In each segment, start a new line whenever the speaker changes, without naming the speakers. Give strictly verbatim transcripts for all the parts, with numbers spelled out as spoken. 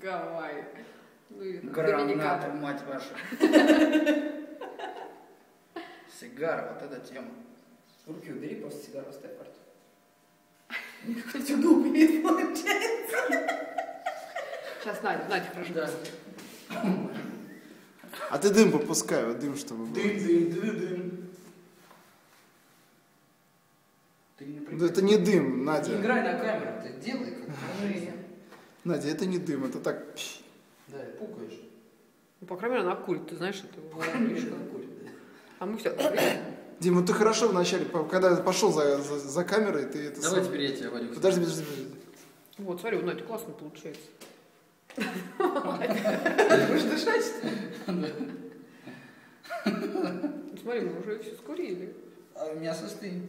Гавайи. Ну, или там
Гранату,
Доминикана.
мать вашу. Сигара, вот эта тема.
Руки убери, просто сигару оставь в рту. Какой-то удобнее получается.
Сейчас Надя, Надя, хорошо.
Да.
А ты дым попускай, вот дым, чтобы был.
Дым, дым, дым, дым. Ты не
Да
напрягай.
это не дым,
Не
Надя.
играй на камеру, ты делай как
Покажи.
Надя, это не дым, это так...
Да, пукаешь.
Ну, по крайней мере, она курит, ты знаешь, это его фишка. А мы все.
Дима, ты хорошо вначале, по- когда пошел за, за, за камерой, ты это...
Давай
сам-
теперь я тебя, Вадик.
Подожди, подожди, подожди.
Вот, смотри, у Нади классно получается.
Будешь дышать?
Ну, смотри, мы уже все скурили.
А у меня состоит.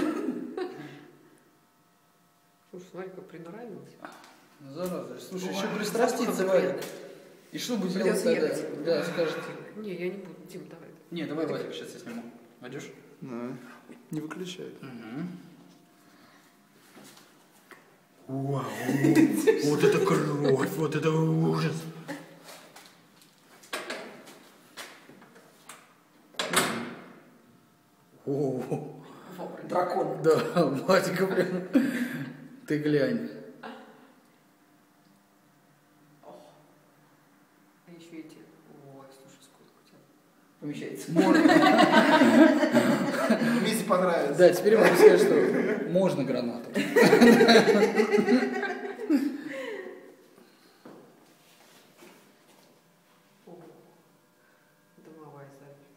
Слушай, смотри, как приноравилось.
Ну, зараза. Слушай,
Ой,
еще пристраститься, Вадик. И что бы делать
Придется
тогда?
ехать.
Да, скажете.
Не, я не буду. Дим, давай.
Не, давай, Вадик, сейчас я сниму. Вадюш?
Да. Не выключай.
Вау, вот это кровь, вот это ужас. О,
Дракон.
да, Вадика прям. Ты глянь.
А еще эти. Ой, слушай, сколько у тебя.
Помещается.
Мисе понравится.
Да, теперь я могу сказать, что можно гранату.
Дымовая запись.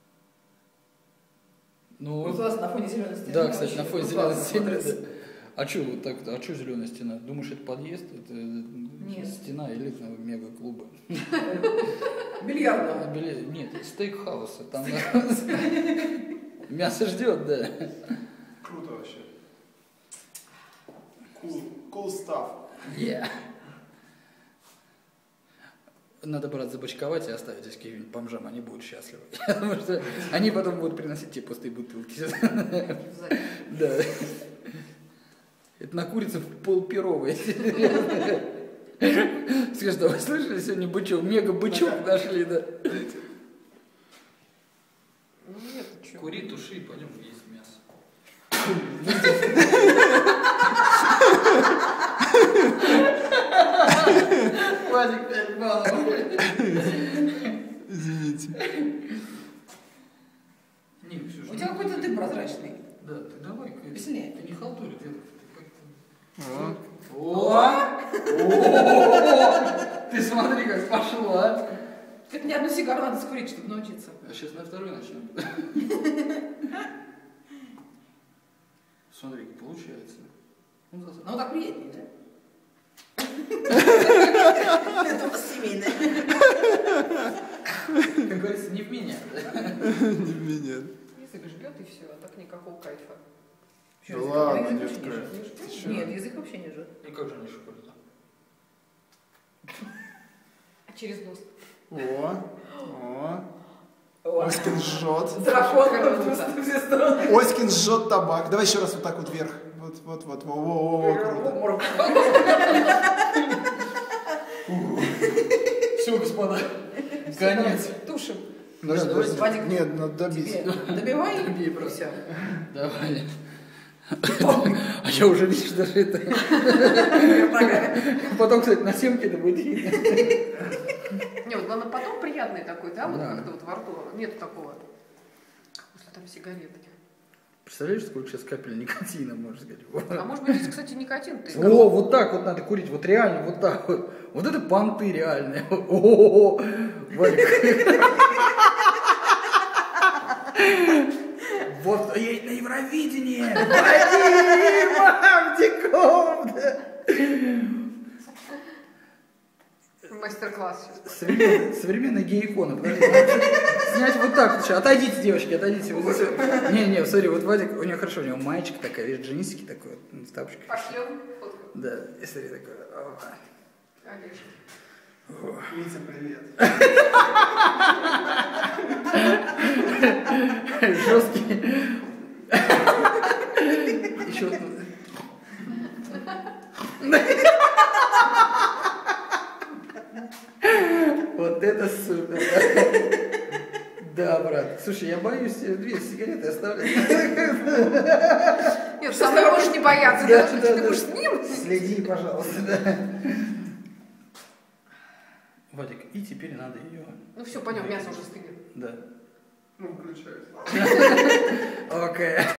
Ну,
Вот у вас на фоне зеленой стены.
да, кстати, на фоне
Вот
зеленой
классно
стены.
смотрится.
Да. А что вот так? А что зеленая стена? Думаешь, это подъезд? Это
Нет.
стена элитного мега-клуба.
Бильярдного.
Били- Нет, стейк-хауса. Там мясо ждет, да.
Круто вообще. Cool, cool stuff.
Yeah. Надо, брат, забочковать и оставить здесь каким-нибудь бомжам, они будут счастливы. Потому что они потом будут приносить тебе пустые бутылки. Да. Это на курице полперовой. Скажи, да вы слышали, сегодня бычок, мега-бычок нашли, да?
Ну нет, ты что?
Кури, туши, пойдем есть мясо. Вадик, пять баллов.
Извините.
Не, Ксюша.
У тебя какой-то дым прозрачный.
Да, ты давай.
Веселее.
Ты не халтури, ты как-то...
А?
О! Ты смотри, как пошло, а?
Это не одну сигару надо скурить, чтобы научиться.
А сейчас на второй начнем. Смотри, получается. Ну, за-
Ну, так приятнее, да? Это у вас семейное.
Как говорится, не в меня.
Не в меня.
Язык жгет и все, а так никакого кайфа.
Да ладно,
Язык
не
вообще
в
не
кайф.
жжет.
Ты чё?
Нет, язык вообще не жжет.
И как же они шоколадно?
А через нос.
О, о.
О,
Оськин жжет.
дракон
Круто.
просто в все стороны.
Оськин жжет табак. Давай еще раз вот так вот вверх. Вот, вот, вот. Во, во, во, во, круто.
Морг.
Все, господа. Конец.
Тушим.
Подожди,
Да,
подожди.
Вадик,
Нет, надо добить.
Тебе добивай
Добей
и
просто.
все.
Давай. А я уже, видишь, даже это... Потом, кстати, на семке это будет видно.
Не, вот главное потом приятный такой, да, вот
Да.
как-то вот во рту. Нету такого. После там сигареты.
Представляешь, сколько сейчас капель никотина, можно сказать?
А может быть, здесь, кстати, никотин ты.
О, вот так вот надо курить, вот реально, вот так вот. Вот это понты реальные. О, Вадик. Вот едет на Евровидение. Вадим Авдиков.
Мастер-класс сейчас.
Современная, современная гей-икона. Подожди, надо снять вот так. Сейчас. Отойдите, девочки, отойдите. Вот здесь вот. Не, не, смотри, вот Вадик, у него хорошо, у него маечка такая, видишь, джинсики такой, вот, с тапочкой.
Пошлем фотку.
Да, и смотри, такой. опа.
Конечно.
Витя, привет.
Жесткий. Еще. Это супер. Да, брат. Слушай, я боюсь две сигареты оставлять.
Нет, сам ты можешь не бояться,
Да,
даже
да,
ты
да.
будешь с ним.
Следи, пожалуйста, да. Вадик, и теперь надо ее.
Ну все, пойдем, мясо уже стынет.
Да.
Ну, включается.
Окей.